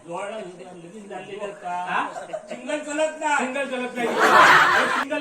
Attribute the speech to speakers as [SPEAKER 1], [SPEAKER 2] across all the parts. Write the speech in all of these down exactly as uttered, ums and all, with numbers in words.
[SPEAKER 1] Single चलत ना
[SPEAKER 2] single चलत नाही सिंगल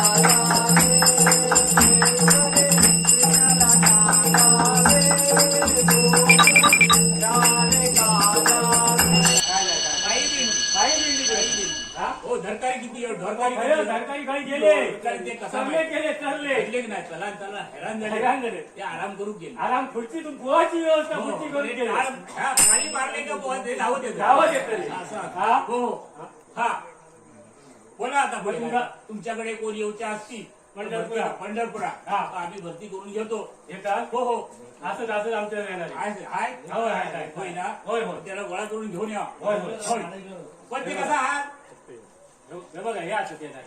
[SPEAKER 1] हो धरकारी किती धरकारी
[SPEAKER 2] धरकारी खाली गेले
[SPEAKER 1] ते
[SPEAKER 2] चालले गेले चालले
[SPEAKER 1] की नाही चला चला हैराण झाले
[SPEAKER 2] हैराण झाले
[SPEAKER 1] ते आराम करू गेले
[SPEAKER 2] आराम खुर्चीतून पोहाची व्यवस्था खुर्ची करून गेले
[SPEAKER 1] खाली मारले का पोहा ते धावत येत
[SPEAKER 2] धावत येत
[SPEAKER 1] हा हो हा बोला आता बोला तुमच्याकडे कोण येऊच्या असतील पंढरपुरा पंढरपुरा हा आम्ही भरती करून घेतो
[SPEAKER 2] येतात
[SPEAKER 1] हो हो
[SPEAKER 2] असंच असंच आमच्या येणार
[SPEAKER 1] हाय होय ना
[SPEAKER 2] होय होय
[SPEAKER 1] त्याला गोळा करून घेऊन या
[SPEAKER 2] होय होय
[SPEAKER 1] पण ते कसा हा
[SPEAKER 2] बघा हे असं येणार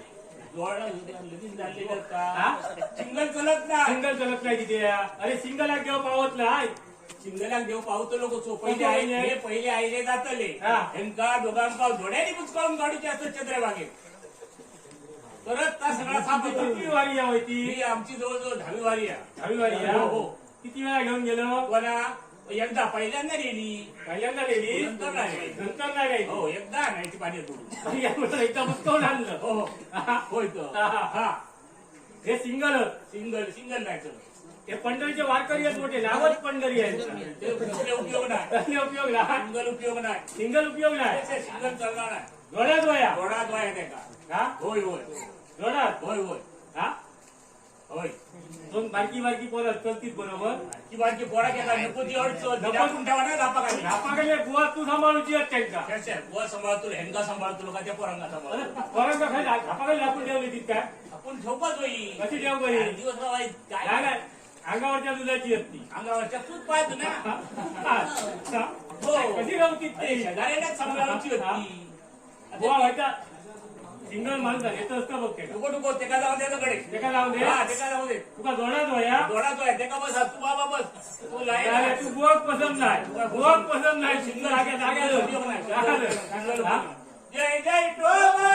[SPEAKER 1] सिंगल चलत ना
[SPEAKER 2] सिंगल चलत नाही तिथे अरे सिंगल घेऊ पावत नाही
[SPEAKER 1] सिंगलाक देव पावतो लोक पहिले आईले पहिले आईले जातले हेंका दोघांका जोड्याने बुचकावून काढूचे असत चंद्रभागेत परत त्या सगळा साप
[SPEAKER 2] किती वारी या होती
[SPEAKER 1] आमची जवळजवळ दहावी वारी आहे
[SPEAKER 2] दहावी वारी या हो किती वेळा घेऊन गेलो
[SPEAKER 1] कोणा एकदा पहिल्यांदा नेली
[SPEAKER 2] पहिल्यांदा नेली
[SPEAKER 1] नंतर नाही
[SPEAKER 2] नंतर नाही
[SPEAKER 1] हो एकदा आणायची पाणी करून
[SPEAKER 2] एकदा बुचकावून आणलं
[SPEAKER 1] हो होय हा
[SPEAKER 2] हे सिंगल
[SPEAKER 1] सिंगल सिंगल नाही
[SPEAKER 2] हे पंढरीचे वारकरी आहेत मोठे नावच पंढरी आहे
[SPEAKER 1] उपयोग नाही
[SPEAKER 2] उपयोग नाही
[SPEAKER 1] सिंगल उपयोग नाही
[SPEAKER 2] सिंगल उपयोग नाही
[SPEAKER 1] सिंगल चालणार नाही
[SPEAKER 2] जोड्यात वया
[SPEAKER 1] जोडात वया नाही का होय होय
[SPEAKER 2] जोडात
[SPEAKER 1] होय होय
[SPEAKER 2] हा
[SPEAKER 1] होय
[SPEAKER 2] दोन बारकी बारकी पोरं चलतीत बरोबर
[SPEAKER 1] की बारकी पोरा केला नको ती अडचण नको ठेवा ना धापा खाली
[SPEAKER 2] धापा खाली बुवा तू सांभाळूची आहेत त्यांचा
[SPEAKER 1] कशा बुवा सांभाळतो हेंगा सांभाळतो का त्या पोरांना सांभाळतो
[SPEAKER 2] पोरांना खाली धापा खाली आपण ठेवली तिथ काय
[SPEAKER 1] आपण ठेवपाच होई
[SPEAKER 2] कशी ठेव बरी
[SPEAKER 1] दिवस राहाय
[SPEAKER 2] काय नाही अंगावरच्या दुधाची असती
[SPEAKER 1] अंगावरच्या तूच पाहतो ना
[SPEAKER 2] हो कशी राहती ती
[SPEAKER 1] शेजाऱ्यालाच सांभाळायची होती
[SPEAKER 2] बुवा व्हायचा सिंगल माणूस येतं असतं बघ ते
[SPEAKER 1] नको नको ते का जाऊ दे कडे
[SPEAKER 2] ते का जाऊ दे
[SPEAKER 1] हा ते का जाऊ दे
[SPEAKER 2] तुका जोडात वया
[SPEAKER 1] जोडात आहे ते का बस तू बाबा बस तू
[SPEAKER 2] लाय तू बुवाक पसंत नाही बुवाक पसंत नाही सिंगल आगे जागे
[SPEAKER 1] उपयोग नाही जय जय टोबा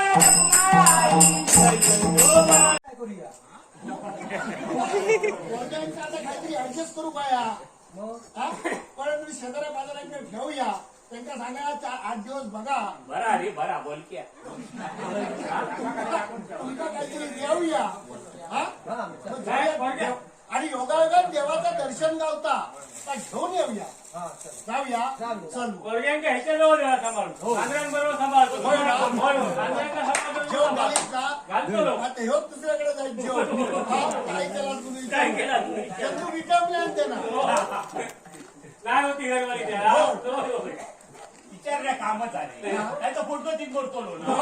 [SPEAKER 3] करूया काहीतरी ऍडजस्ट करू पाया पण तुम्ही शेजाऱ्या बाजाराकडे घेऊया त्यांना सांगा आठ दिवस बघा
[SPEAKER 1] बरा रे बरा बोल क्या
[SPEAKER 3] तुमका काहीतरी देऊया आणि योगायोगात देवाचं दर्शन गावता घेऊन येऊया जाऊया चल
[SPEAKER 2] वर्ग्यांच्या ह्याच्या जवळ द्या सांभाळून सांगऱ्यांबरोबर सांभाळतो
[SPEAKER 3] जेवण घालीत का आता ह्यो दुसऱ्याकडे जाईल जेवण काय केला तुम्ही
[SPEAKER 2] काय केला तुम्ही
[SPEAKER 3] चंदू विटामले आणते ना
[SPEAKER 2] काय होती घरवाली त्या
[SPEAKER 1] विचारल्या कामच आहे त्याचा फोटो ती करतो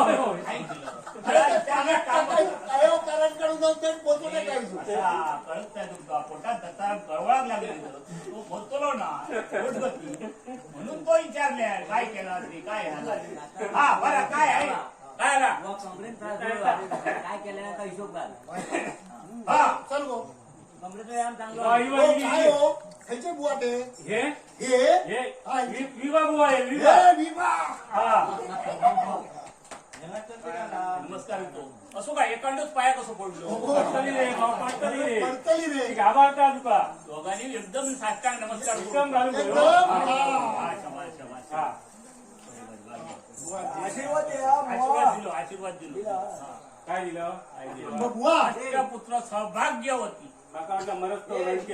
[SPEAKER 3] कारणकडून जाऊन ते पोचवणे काय
[SPEAKER 1] कळत नाही तुमचा पोटात त्याचा गळवळाक लागला तो बोलतो ना पोटगती म्हणून तो विचारल्या काय केला तरी काय हा बरं काय आहे काय
[SPEAKER 4] काय केलं का हिशोब घाल
[SPEAKER 3] हा चल गो
[SPEAKER 4] कमरेचं व्यायाम चांगलं
[SPEAKER 3] काय हो खायचे बुवा ते
[SPEAKER 2] हे
[SPEAKER 3] हे
[SPEAKER 2] विवा बुवा आहे विवा
[SPEAKER 3] विवा
[SPEAKER 1] नमस्कार येतो असो काय एकांडच पाया कसं पडलो
[SPEAKER 2] पडतली रे पडतली रे
[SPEAKER 3] पडतली रे
[SPEAKER 2] घाबरता तुका
[SPEAKER 1] दोघांनी एकदम साष्टांग नमस्कार
[SPEAKER 2] एकदम घालून
[SPEAKER 3] आशीर्वाद
[SPEAKER 1] आशीर्वाद दिलो आशीर्वाद दिलो
[SPEAKER 2] काय दिलं
[SPEAKER 3] बुवा
[SPEAKER 1] पुत्र सौभाग्यवती
[SPEAKER 2] काका वाटलं मरत तो रंग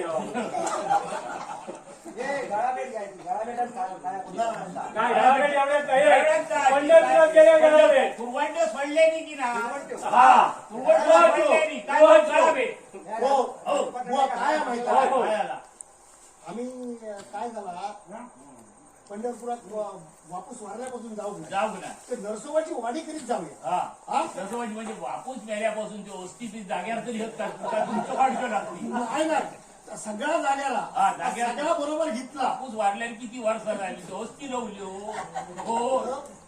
[SPEAKER 2] काय घराकडे एवढ्यात पंढरपुरात गेल्या घराकडे
[SPEAKER 1] तुरवंड सोडले नाही की ना
[SPEAKER 2] हा
[SPEAKER 1] तुरवंड सोडले नाही काय करावे
[SPEAKER 3] हो बुवा काय माहिती
[SPEAKER 1] आम्ही
[SPEAKER 3] काय झाला पंढरपुरात वापस वारल्यापासून जाऊ
[SPEAKER 1] जाऊ ना
[SPEAKER 3] ते नरसोबाची वाडी करीत जाऊया
[SPEAKER 1] हा नरसोबाची म्हणजे वापूस मेल्यापासून ते वस्ती ती जाग्यावर तरी होत का तुमचं वाढलं लागली
[SPEAKER 3] आहे ना सगळ्या जाग्याला
[SPEAKER 1] हा जाग्याला
[SPEAKER 3] सगळा बरोबर घेतला
[SPEAKER 1] वापूस वाढल्याने किती वर्ष झाली वस्ती लावली हो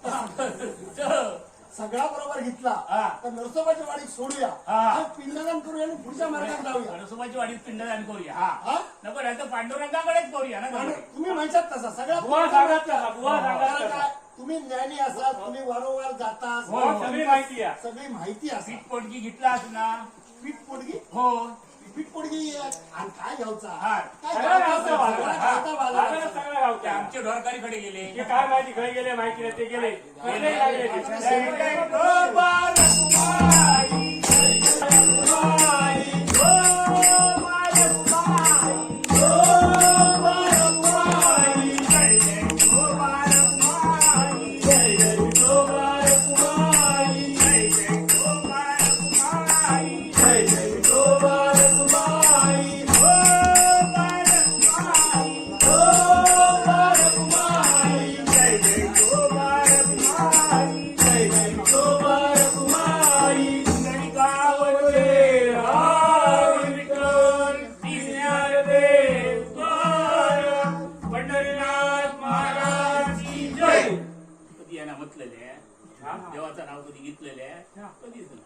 [SPEAKER 3] सगळा बरोबर घेतला तर नरसोबाच्या वाडीत सोडूया पिंडदान करूया आणि पुढच्या मार्गात जाऊया
[SPEAKER 1] नरसोबाची वाडीत पिंडदान करूया हा नको नाही तर पांडुरंगाकडेच करूया ना
[SPEAKER 3] तुम्ही म्हणतात तसा सगळा
[SPEAKER 2] बुवा सांगत बुवा सांगत
[SPEAKER 3] तुम्ही ज्ञानी असाल तुम्ही वारंवार जाता
[SPEAKER 2] सगळी माहिती आहे
[SPEAKER 3] सगळी माहिती असेल
[SPEAKER 1] पीठ पोटगी घेतला ना
[SPEAKER 3] पीठ पोटगी
[SPEAKER 1] हो
[SPEAKER 3] पीठपोळी आणि काय घ्यायचा
[SPEAKER 1] हा.
[SPEAKER 3] काय
[SPEAKER 2] सगळा
[SPEAKER 3] घ्यायचा?
[SPEAKER 2] गावचा बाजार.
[SPEAKER 3] सगळा
[SPEAKER 2] हा.
[SPEAKER 3] गावचा बाजार
[SPEAKER 2] बाजारात
[SPEAKER 3] आहे.
[SPEAKER 2] सगळा गावचा.
[SPEAKER 1] ते आमचे ढोरकारीकडे गेले
[SPEAKER 2] ते काय माहिती घरी गेले माहिती नाही ते गेले कसले लागले ते.
[SPEAKER 1] जय जय गोपाल कुमारी, जय जय कुमारी, गोपाल कुमारी, गोपाल कुमारी, जय जय गोपाल कुमारी, जय जय गोपाल कुमारी, जय जय गोपाल कुमारी, जय जय गोपाल कुमारी, गोपाल कुमारी, गोपाल कुमारी, जय जय गोपाल कुमारी, जय जय गोपाल कुमारी, गणिकावले राम विठ्ठल ज्ञानदेव द्वार, पंढरीनाथ महाराज की जय. कधी यांना म्हटलेले आहे, देवाचं नाव कधी घेतलेलं आहे कधीच नाही.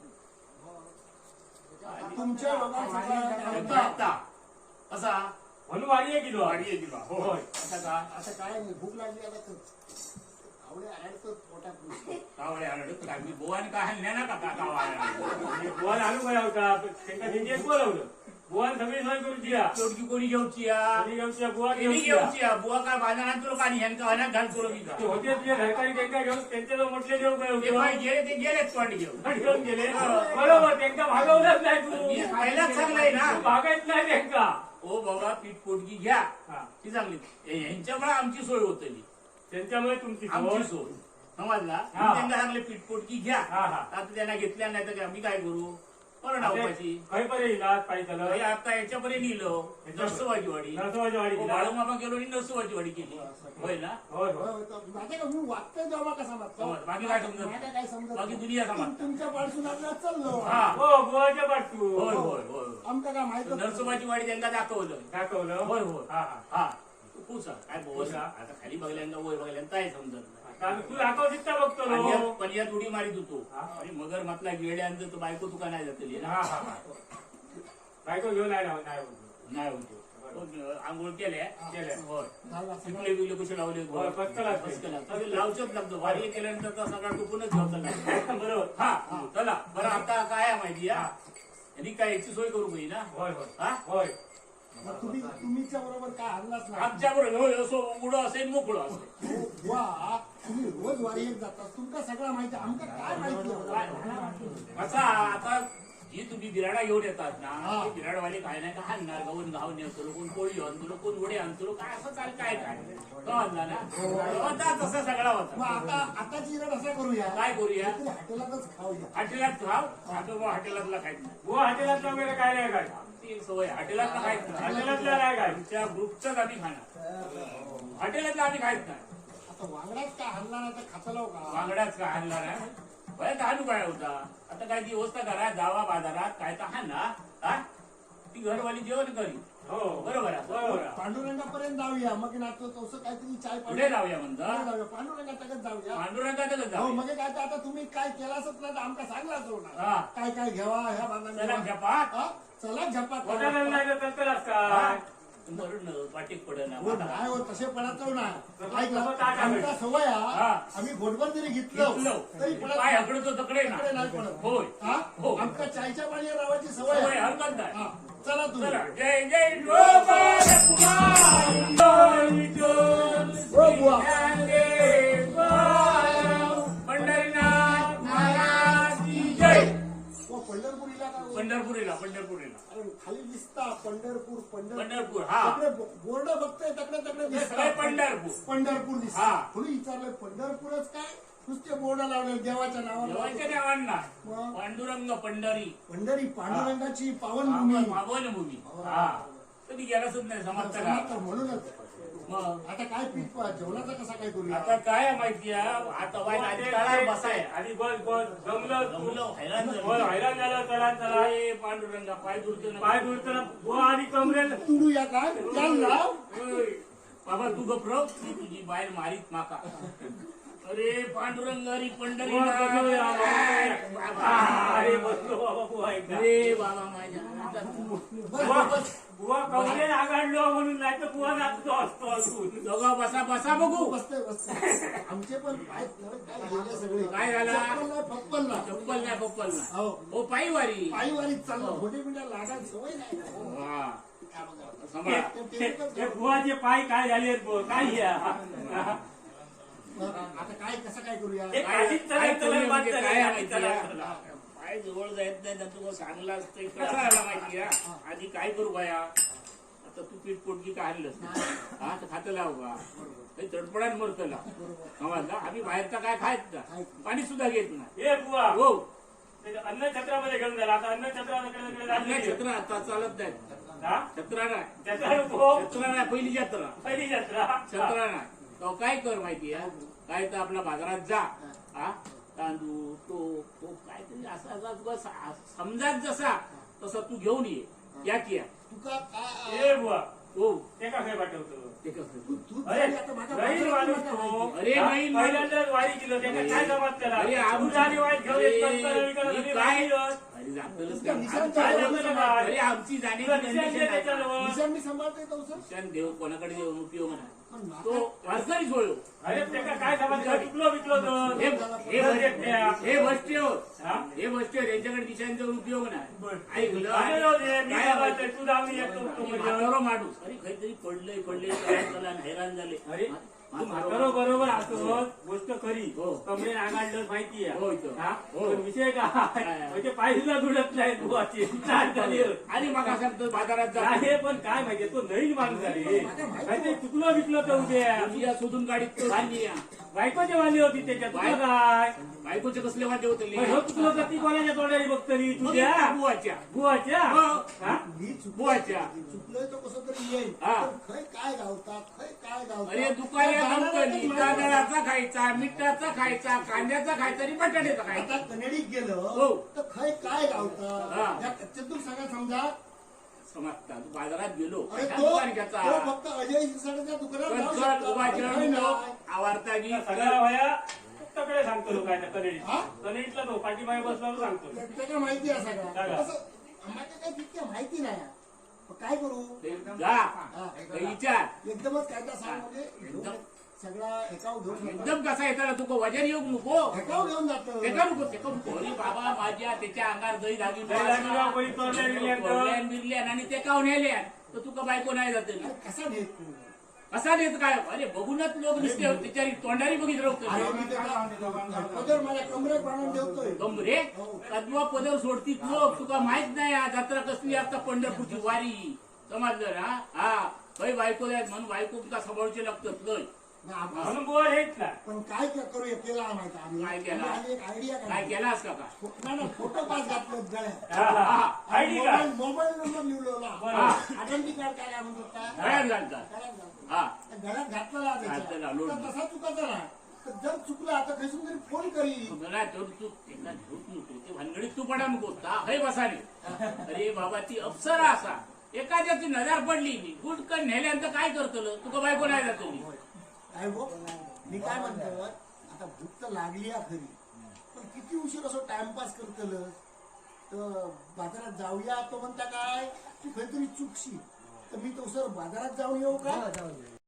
[SPEAKER 3] तुमच्या लोकांचा
[SPEAKER 1] आता कसा
[SPEAKER 2] म्हणून वाढी गेलो
[SPEAKER 1] वाढी आहे दिला हो
[SPEAKER 2] होय.
[SPEAKER 1] आता का
[SPEAKER 3] आता काय नाही, भूक लागली आता तर आवडे आडतं पोटात नुसतं.
[SPEAKER 1] कावळे आरडत काय मी बोवाने काय हल्ल्या ना का कावळे
[SPEAKER 2] बुवान आणू काय होता त्यांना त्यांनी बोलवलं बुवान सगळी सोय करून दिला
[SPEAKER 1] शेवटी कोणी घेऊची या
[SPEAKER 2] कोणी घेऊन बुवा
[SPEAKER 1] कोणी
[SPEAKER 2] घेऊन
[SPEAKER 1] घेऊची या बुवा काय बाजारात तुला काढी ह्यांका अनाथ घाल करू मी का
[SPEAKER 2] ते होते तुझ्या घरकारी त्यांना घेऊन त्यांच्याजवळ म्हटले देऊ काय
[SPEAKER 1] ते काय गेले ते गेलेच तोंड घेऊन
[SPEAKER 2] घेऊन गेले बरोबर त्यांना भागवलंच नाही तू
[SPEAKER 1] मी पहिलाच सांगलंय ना
[SPEAKER 2] तू भागायच नाही त्यांना
[SPEAKER 1] ओ बाबा पीठ पोटगी घ्या
[SPEAKER 2] हा.
[SPEAKER 1] ती चांगली ह्यांच्यामुळे आमची सोय होतली
[SPEAKER 2] त्यांच्यामुळे तुमची
[SPEAKER 1] आमची
[SPEAKER 2] सोय.
[SPEAKER 1] सोय समजला
[SPEAKER 2] हा.
[SPEAKER 1] त्यांना सांगले पीठ पोटगी घ्या
[SPEAKER 2] हा, हा.
[SPEAKER 1] आता त्यांना घेतल्या नाही तर आम्ही काय करू करणं उपाशी
[SPEAKER 2] काही पर्यंत इलाज पाहिजे
[SPEAKER 1] हे आता याच्यापर्यंत नेलं नरसोबाची वाडी
[SPEAKER 2] नरसोबाची वाडी दिला.
[SPEAKER 1] बाळूमामा गेलो आणि नरसोबाची वाडी केली होय ना
[SPEAKER 2] होय
[SPEAKER 3] होय,
[SPEAKER 2] होय
[SPEAKER 3] होय, तर माझ्या का मी वागतोय जेव्हा कसा मागतो
[SPEAKER 1] समज बाकी काय समजत
[SPEAKER 3] माझ्या काय समजत
[SPEAKER 1] बाकी
[SPEAKER 3] नाही.
[SPEAKER 1] दुनिया समजत
[SPEAKER 3] तुमच्या पासून आपल्याला चाललो
[SPEAKER 1] हा
[SPEAKER 2] हो बुवाच्या पाठू
[SPEAKER 1] होय होय होय
[SPEAKER 3] आमका काय माहित
[SPEAKER 1] नरसोबाची वाडी त्यांना दाखवलं
[SPEAKER 2] दाखवलं
[SPEAKER 1] होय होय
[SPEAKER 2] हा हा
[SPEAKER 1] हा तू पुसा काय बोल आता खाली बघल्यांदा वर बघल्यांदा काय समजत नाही
[SPEAKER 2] आता तू दाखवशील का बघतो
[SPEAKER 1] आणि
[SPEAKER 2] लो.
[SPEAKER 1] यात- पण यात उडी मारित होतो
[SPEAKER 2] हा.
[SPEAKER 1] आणि मगर म्हटला गेल्यानंतर तो बायको तुका नाही जातली ना
[SPEAKER 2] हा हा हा. बायको घेऊन नाही राहू नाही होत.
[SPEAKER 1] नाही होतो आंघोळ केल्या
[SPEAKER 2] केल्या.
[SPEAKER 1] होय
[SPEAKER 3] झाला सगळं.
[SPEAKER 1] पिकले बिकले कसे लावले
[SPEAKER 2] होय, पस्कलाच.
[SPEAKER 1] लावचोच लागतो वारी केल्यानंतर तो सगळा टुकूनच घ्यायचा नाही बरोबर हा चला बरं आता काय आहे माहिती या यांनी काय याची सोय करू पाहिजे ना
[SPEAKER 2] होय होय
[SPEAKER 1] हा
[SPEAKER 2] होय
[SPEAKER 3] मग तुम्ही तुमच्या बरोबर काय हल्लाच नाही
[SPEAKER 1] आमच्या बरोबर असो उघडं असेल मोकळं असेल
[SPEAKER 3] वा तुम्ही रोज वारीत जाता तुमका सगळं माहिती आमका काय माहिती
[SPEAKER 1] असा आता जी तुम्ही बिराडा घेऊन येतात ना
[SPEAKER 3] हा.
[SPEAKER 1] ते बिराडवाले काय नाही का हाणणार गाऊन घाऊन येतो कोण पोळी आणतो कोण वडे आणतो काय असं चाल काय काय तो आणला ना होता तसा सगळा
[SPEAKER 3] मग
[SPEAKER 1] होता
[SPEAKER 3] आता आताची इरड असं करूया
[SPEAKER 1] काय करूया
[SPEAKER 3] तरी हॉटेलातच खाऊया
[SPEAKER 1] हॉटेलात खाव आता बुवा हॉटेलातला खायच नाही
[SPEAKER 2] बुवा हॉटेलातलं वगैरे काय नाही काय
[SPEAKER 1] ती एक सवय हॉटेलातला खायच नाही
[SPEAKER 2] हॉटेलातलं नाही काय
[SPEAKER 1] आमच्या ग्रुपचाच आम्ही खाणार हॉटेलातला आम्ही खायच नाही
[SPEAKER 3] आता वांगड्यात काय हल्ला नाही तर खातलाव का
[SPEAKER 1] वांगडाच का आणला नाही बरं तर हाणू काय होता आता काय ती व्यवस्था करा जावा बाजारात काय तर हाण ना हा ती घरवाली जेवण करी
[SPEAKER 2] हो
[SPEAKER 1] बरोबर आहे बरोबर आहे.
[SPEAKER 3] पांडुरंगापर्यंत जाऊया मग ना तो तसं काहीतरी चाय पाणी-
[SPEAKER 1] पुढे जाऊया
[SPEAKER 3] पुढे
[SPEAKER 1] म्हणता
[SPEAKER 3] जाऊया पांडुरंगाकडे जाऊया
[SPEAKER 1] पांडुरंगातच
[SPEAKER 3] हो
[SPEAKER 1] जाऊया
[SPEAKER 3] मग काय तर आता तुम्ही काय केलाच नाही तर आमका सांगला जाऊ ना
[SPEAKER 1] हा.
[SPEAKER 3] काय काय घ्यावा ह्या
[SPEAKER 1] चला
[SPEAKER 3] बांधा
[SPEAKER 1] झपात
[SPEAKER 3] चला झपात
[SPEAKER 2] हॉटेलात नाही तर तलतलाच
[SPEAKER 1] हा.
[SPEAKER 2] काय
[SPEAKER 1] मरून वाटेक पड ना
[SPEAKER 3] हो, नाही हो तसे पडायचो ना
[SPEAKER 2] तसं
[SPEAKER 3] ऐकलं
[SPEAKER 2] ताट आहे.
[SPEAKER 3] आमचा सवय हा.
[SPEAKER 1] हा.
[SPEAKER 3] आम्ही घोटभर जरी घेतलं
[SPEAKER 1] घेतलं.
[SPEAKER 3] तरी पडत
[SPEAKER 1] पाय
[SPEAKER 3] नाही.
[SPEAKER 1] हकडतो तकडे ना
[SPEAKER 3] तकडे नाही पडत
[SPEAKER 1] होय
[SPEAKER 3] हा
[SPEAKER 1] हो.
[SPEAKER 3] आमका चायच्या पाण्यावर रावायची सवय
[SPEAKER 1] सवय
[SPEAKER 3] आहे.
[SPEAKER 1] हरकत नाही
[SPEAKER 3] हा चला तुम्ही
[SPEAKER 1] चला जय जय गोपाल कुमार जय विठ्ठल
[SPEAKER 3] हो बुवा
[SPEAKER 1] ज्ञानदेव बाळ, पंढरीनाथ महाराज की जय
[SPEAKER 3] हो पंढरपुरीला का हो?
[SPEAKER 1] पंढरपुरीला पंढरपुरीला
[SPEAKER 3] अरे खाली दिसता पंढरपूर पंढरपूर
[SPEAKER 1] पंढरपूर हा
[SPEAKER 3] तकडे बोर्ड बघतोय तकडे तकडे
[SPEAKER 1] हे सगळे
[SPEAKER 3] दिसता
[SPEAKER 1] पंढरपूर
[SPEAKER 3] पंढरपूर
[SPEAKER 1] हा.
[SPEAKER 3] दिसता थोडी विचारलं पंढरपूरच काय नुसते बोर्ड लावले देवाच्या नावावर
[SPEAKER 1] देवाच्या देवांना
[SPEAKER 3] मग
[SPEAKER 1] पांडुरंग पंढरी
[SPEAKER 3] पंढरी पांडुरंगाची पावनभूमी
[SPEAKER 1] मावल भूमी हा कधी गेलाच नाही समजता
[SPEAKER 3] तर
[SPEAKER 1] का
[SPEAKER 3] म्हणूनच
[SPEAKER 1] मग
[SPEAKER 3] आता काय पीठ जेवणाचा कसा काय करूया
[SPEAKER 1] आता काय आहे माहिती आहे आता वाईट आधी तळावर बसाय
[SPEAKER 2] आणि बस बस जमलं तू.
[SPEAKER 1] जमलं, हैराण झालं.
[SPEAKER 2] होय, हैराण झालं चला चला
[SPEAKER 1] अरे पांडुरंगा पाय दुरतो ना
[SPEAKER 2] पाय दुरताना बुवा आणि कमरेला
[SPEAKER 3] तुडूया काय त्याला लाव
[SPEAKER 1] होय. बाबा तू गप्र ती तुझी बाहेर मारीत माका अरे पांडुरंग हरी पंढरी
[SPEAKER 2] बुवा बसवूया,
[SPEAKER 1] बाबा.
[SPEAKER 2] अरे बसलो बाबा बुवा एकदा.
[SPEAKER 1] अरे बाबा माझ्या आता तू
[SPEAKER 2] बुवा बुवा कवले आघाडलो म्हणून नाही तर बुवा जातो असतो असून.
[SPEAKER 1] दोघं बसा बसा बघू
[SPEAKER 3] बसतोय बसतोय आमचे पण पाय काय गेले सगळे
[SPEAKER 1] काय झालं?
[SPEAKER 3] चप्पल नाही पप्पल नाही
[SPEAKER 1] चप्पल नाही पप्पल नाही
[SPEAKER 3] हो
[SPEAKER 1] हो पायी वारी
[SPEAKER 3] पायीवारीत चाललं मोठे मोठ्या लाडात सवय नाही
[SPEAKER 1] हा
[SPEAKER 3] काय बघा.
[SPEAKER 1] सांभाळा
[SPEAKER 3] ते- ते एकच
[SPEAKER 2] हे बुवाचे पाय काय झाले बुवा काय हे?
[SPEAKER 3] आता काय कसं काय करूया
[SPEAKER 2] हे
[SPEAKER 1] काय
[SPEAKER 2] काशीत
[SPEAKER 1] काय
[SPEAKER 2] चला,
[SPEAKER 1] करूया
[SPEAKER 2] चला,
[SPEAKER 1] म्हणजे
[SPEAKER 2] चला,
[SPEAKER 1] काय
[SPEAKER 2] चला,
[SPEAKER 1] माहिती
[SPEAKER 2] चला,
[SPEAKER 1] आहे?
[SPEAKER 2] चला.
[SPEAKER 1] पाय जवळ जायत नाही ना तुला चांगलं असतं कसं आला माहिती आहे? आधी काय करू बाया आता तू पीठ पोटकी काय आणलंस हा तर खातं लाव का काही तडपडान मरतं लाव समजला आम्ही बाहेरचा काय खायच ना पाणी सुद्धा घेत नाही
[SPEAKER 2] हे बुवा
[SPEAKER 1] हो
[SPEAKER 2] ते अन्न छत्रामध्ये घेऊन झाला आता अन्न छत्रामध्ये
[SPEAKER 1] आपल्या छत्र आता चालत नाही छत्रा नाही
[SPEAKER 2] छत्रा नको
[SPEAKER 1] छत्रा नाही पहिली जत्रा
[SPEAKER 2] पहिली जत्रा
[SPEAKER 1] छत्रा नाही तो काय कर माहिती आहे काय तर आपल्या बाजारात जा हा तांदूळ तो तो काय तरी असा असा तुला सा- समजात जसा तसा तू घेऊन ये या की या
[SPEAKER 3] तुका काय
[SPEAKER 2] हे बुवा
[SPEAKER 1] हो
[SPEAKER 2] ते का काय पाठवतो
[SPEAKER 1] ते कसं
[SPEAKER 3] तू तू
[SPEAKER 2] अरे
[SPEAKER 3] आता माझ्या
[SPEAKER 2] नवीन
[SPEAKER 3] बाजारात
[SPEAKER 2] माणूस
[SPEAKER 3] नका
[SPEAKER 2] तो
[SPEAKER 3] माहिती.
[SPEAKER 1] अरे,
[SPEAKER 2] हा?
[SPEAKER 1] नवीन माणूस.
[SPEAKER 2] पहिल्यांदाच वारी केलं त्याला काय जमात त्याला
[SPEAKER 1] अरे, आम-
[SPEAKER 2] दूध आणि वाईट घेऊन येत नसतं,
[SPEAKER 1] अरे,
[SPEAKER 2] विकत
[SPEAKER 1] मी
[SPEAKER 2] आणि
[SPEAKER 1] काय
[SPEAKER 2] वाईट घेऊन.
[SPEAKER 1] अरे जातलंच
[SPEAKER 3] तुमच्या
[SPEAKER 1] का?
[SPEAKER 3] निशांच्या
[SPEAKER 1] आमची
[SPEAKER 2] जवळ
[SPEAKER 1] जवळ-
[SPEAKER 2] काय?
[SPEAKER 1] अरे आमची
[SPEAKER 2] तुला
[SPEAKER 1] जाण्याची
[SPEAKER 2] निशाण
[SPEAKER 1] कंडिशन
[SPEAKER 2] दे
[SPEAKER 1] आहे.
[SPEAKER 2] त्याच्याजवळ.
[SPEAKER 3] निशाण मी सांभाळता येतो सर
[SPEAKER 1] निशाण देव कोणाकडे देऊन उपयोग नाही
[SPEAKER 3] पण
[SPEAKER 1] तो
[SPEAKER 3] नाका-
[SPEAKER 1] वारकरी सोडलो
[SPEAKER 2] अरे त्याला काय जमात विकलो विकलो तर
[SPEAKER 1] हे हे बस- हे बसते हो
[SPEAKER 2] हा?
[SPEAKER 1] हे बसते त्यांच्याकडे निशाण देऊन उपयोग नाही
[SPEAKER 2] बरं.
[SPEAKER 1] ऐकलं
[SPEAKER 2] अरे जाऊ दे, मी
[SPEAKER 1] काय
[SPEAKER 2] जमात तू जाऊन येतो तो
[SPEAKER 1] आणि
[SPEAKER 2] म्हणजे.
[SPEAKER 1] म्हातारो माणूस अरे काहीतरी पडलंय पडलंय काय झालं हैराण झाले
[SPEAKER 2] अरे तू
[SPEAKER 1] म्हातारो
[SPEAKER 2] म्हातारो बरोबर असतो गोष्ट खरी
[SPEAKER 1] हो.
[SPEAKER 2] कमरे नागाडलं माहिती
[SPEAKER 1] हो इथं.
[SPEAKER 2] आहे
[SPEAKER 1] हो.
[SPEAKER 2] पण विषय काय
[SPEAKER 1] काय?
[SPEAKER 2] म्हणजे पाहिला दुडत नाही बुवाची चाल झाली
[SPEAKER 1] आणि मग सांगतो बाजारात जा
[SPEAKER 2] आहे पण काय माहितीये तो नवीन माणूस झाली काहीतरी चुकलो विकलो तर उद्या
[SPEAKER 1] तुझ्या शोधून गाडीत तो धान्य या.
[SPEAKER 2] बायकोची वाली होती त्याच्यात तुला काय
[SPEAKER 1] बायकोचे कसले वाटे होते
[SPEAKER 2] मग ह्यो चुकलो तर ती कोणाच्या तोंडाने बघतली तुझ्या
[SPEAKER 1] बुवाच्या
[SPEAKER 2] बुवाच्या
[SPEAKER 1] हो.
[SPEAKER 2] हा?
[SPEAKER 3] मी चुकलोय
[SPEAKER 1] बुवाच्या.
[SPEAKER 3] चुकलोय तो कसं तरी येईल
[SPEAKER 1] हा.
[SPEAKER 3] पण खय काय गावता खय काय गावता
[SPEAKER 1] अरे दुकाने
[SPEAKER 3] त्या
[SPEAKER 1] कंपनी
[SPEAKER 3] जाणाऱ्याला माहिती
[SPEAKER 1] तांदळाचा खायचा मिठाचा खायचा कांद्याचा खायचा आणि बटाट्याचा
[SPEAKER 3] आता
[SPEAKER 1] खायचा
[SPEAKER 3] कनेडीत गेलं
[SPEAKER 1] हो.
[SPEAKER 3] तर खय काय
[SPEAKER 1] हा.
[SPEAKER 3] गावता त्या कच्च्यातून सांगा समजा
[SPEAKER 1] समजता तू बाजारात गेलो
[SPEAKER 3] अरे
[SPEAKER 1] कशा
[SPEAKER 3] तो
[SPEAKER 1] दुकान घ्यायचा
[SPEAKER 3] तो फक्त अजय शिरसाटच्या दुकानात जाऊ
[SPEAKER 1] कणसर
[SPEAKER 3] शकतो.
[SPEAKER 1] उभा
[SPEAKER 3] खय
[SPEAKER 1] जेवण
[SPEAKER 3] नाही.
[SPEAKER 1] आवारता गी
[SPEAKER 2] सगळा वया फक्तकडे सांगतो लोकांच्या कनेडी
[SPEAKER 3] हा?
[SPEAKER 2] कनेडीतला तो पाठीमागे बसला सांगतो
[SPEAKER 3] त्या- त्याला माहिती आहे सगळं
[SPEAKER 2] सांगा.
[SPEAKER 3] असं आम्हाला काही तितक्या माहिती नाही पण काय करू
[SPEAKER 1] जा
[SPEAKER 3] हा.
[SPEAKER 1] काही विचार
[SPEAKER 3] एकदमच काय काय सांग म्हणजे घेऊन सगळा एकावर घेऊन जातो.
[SPEAKER 1] एकदम कसा येताना तुका वजन येऊ नको
[SPEAKER 3] एकावर घेऊन जातो
[SPEAKER 1] तेका नको तेका नको अरे बाबा माझ्या त्याच्या अंगार दही धागी
[SPEAKER 2] दही धागी कोणी तोडल्या बिडल्या तर.
[SPEAKER 1] बिरल्यान आणि ते काऊन नेल्या तर तुका बायको नाही जाते
[SPEAKER 3] अरे कसा देत तू
[SPEAKER 1] कसा देत काय अरे बघूनच लोक दिसते त्याच्या तोंडारी बघित
[SPEAKER 3] अरे
[SPEAKER 1] राहतो
[SPEAKER 3] मी त्याला पदर माझ्या कमरेत बांधून ठेवतोय
[SPEAKER 1] कमरे कदवा पदर सोडती लोक तुका माहित नाही हा जत्रा कसली असता पंढरपूरची वारी समजलं ना हा काही बायको आहेत म्हणून बायको तुका सांभाळचे लागतात लय
[SPEAKER 3] ना आपण-
[SPEAKER 2] म्हणून बुवा हेच ना
[SPEAKER 3] पण काय क- करूया केला माहिती आम्ही
[SPEAKER 1] काय केलं?
[SPEAKER 3] आम्ही एक आयडिया
[SPEAKER 1] काय केलास का काय
[SPEAKER 3] नाही नाही फोटो पास घातलं गळ्यात
[SPEAKER 2] हा, हा. आयडी का
[SPEAKER 3] मोबाईल मोबाईल नंबर लिहिलेला
[SPEAKER 2] बरं.
[SPEAKER 3] आयडेंटी कार्ड काय म्हणतात काय
[SPEAKER 1] गळ्यात घालतात
[SPEAKER 3] गळ्यात घालतो.
[SPEAKER 1] हा
[SPEAKER 3] त्या गळ्यात घातलेला त्याच्या.
[SPEAKER 1] घातलेला, लोड.
[SPEAKER 3] तर तसा चुकाचा नाही तर जर चुकला तर खसून तरी फोन करी
[SPEAKER 1] मला तो तू त्याला झोप नको ते भानगडीत तू पडा नको है बसाने अरे बाबा ती अप्सरा असा एखाद्याची नजर पडली गुडकन नेल्यानंतर काय करतलं तुका बायको नाही जातो
[SPEAKER 3] काय गो मी काय म्हणतो आता भूक तर लागली आहे खरी पण किती उशीर असं टाइमपास करतल तर बाजारात जाऊया तो म्हणता काय तू काहीतरी चुकशी तर मी तो सर बाजारात जाऊन येऊ का